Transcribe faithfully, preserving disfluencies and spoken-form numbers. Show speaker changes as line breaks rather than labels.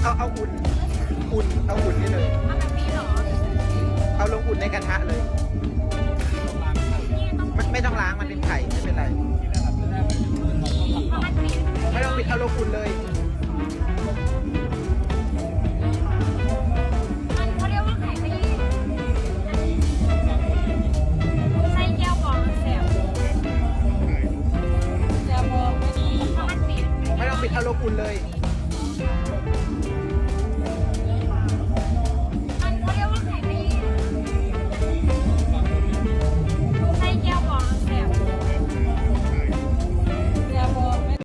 เอาเอาอุ่นอุ่นเอาอุ่นนี่เลย
เอาแบบนี้เหรอ
เอาลงอุ่นในกระทะเลย
นี่ต้อง
มันไม่ต้องล้างมันเป็นไข่ไม่เป็นไร
เพราะมันปิด
ไม่ต้องปิดเอาลงอุ่นเลย
มันเขาเรียกว่าไข่ขยี้ใส่แก้วบองแสบแสบบอกไม่ดีเพราะมันปิด
ไม่ต้องปิดเอาลงอุ่นเลย
เ